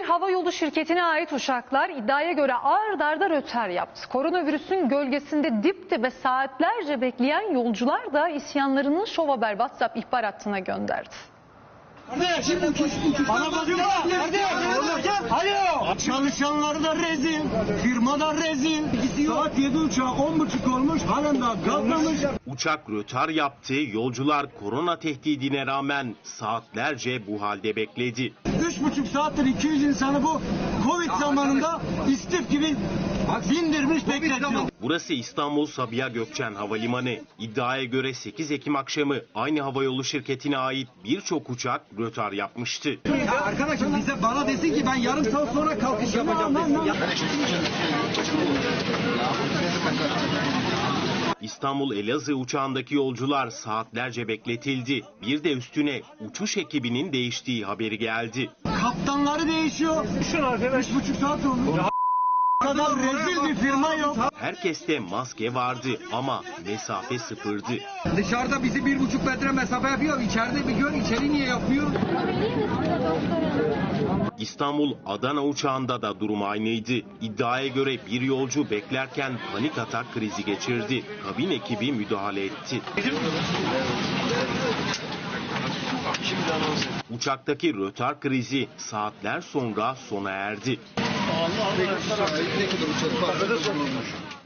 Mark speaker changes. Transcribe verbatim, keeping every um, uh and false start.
Speaker 1: havayolu şirketine ait uçaklar iddiaya göre ard arda rötar yaptı. Koronavirüsün gölgesinde dip dibe saatlerce bekleyen yolcular da isyanlarını Şov Haber WhatsApp ihbar hattına gönderdi.
Speaker 2: Şimdi uçuş, uçuş. Bana bakıyor. Alo. Çalışanları da rezil, firma da rezil. Saat yedi uçağı on buçuk olmuş, halen daha kalkmamış.
Speaker 3: Uçak rötar yaptı, yolcular korona tehdidine rağmen saatlerce bu halde bekledi.
Speaker 2: Üç buçuk saattir iki yüz insanı bu Covid zamanında istif gibi bindirmiş bekletiyor.
Speaker 3: Burası İstanbul Sabiha Gökçen Havalimanı. İddiaya göre sekiz Ekim akşamı aynı havayolu şirketine ait birçok uçak rötar yapmıştı.
Speaker 2: Ya arkadaşım bize bana desin ki ben yarım saat sonra kalkış yapacağım desin.
Speaker 3: İstanbul Elazığ uçağındaki yolcular saatlerce bekletildi. Bir de üstüne uçuş ekibinin değiştiği haberi geldi.
Speaker 2: Kaptanları değişiyor. Üç buçuk saat olmuş. Bu kadar rezil bir firma yok.
Speaker 3: Herkeste maske vardı ama mesafe sıfırdı.
Speaker 2: Dışarıda bizi bir buçuk metre mesafe yapıyor. İçeride bir gör, içeri niye yapıyor?
Speaker 3: İstanbul Adana uçağında da durum aynıydı. İddiaya göre bir yolcu beklerken panik atak krizi geçirdi. Kabin ekibi müdahale etti. Uçaktaki rötar krizi saatler sonra sona erdi.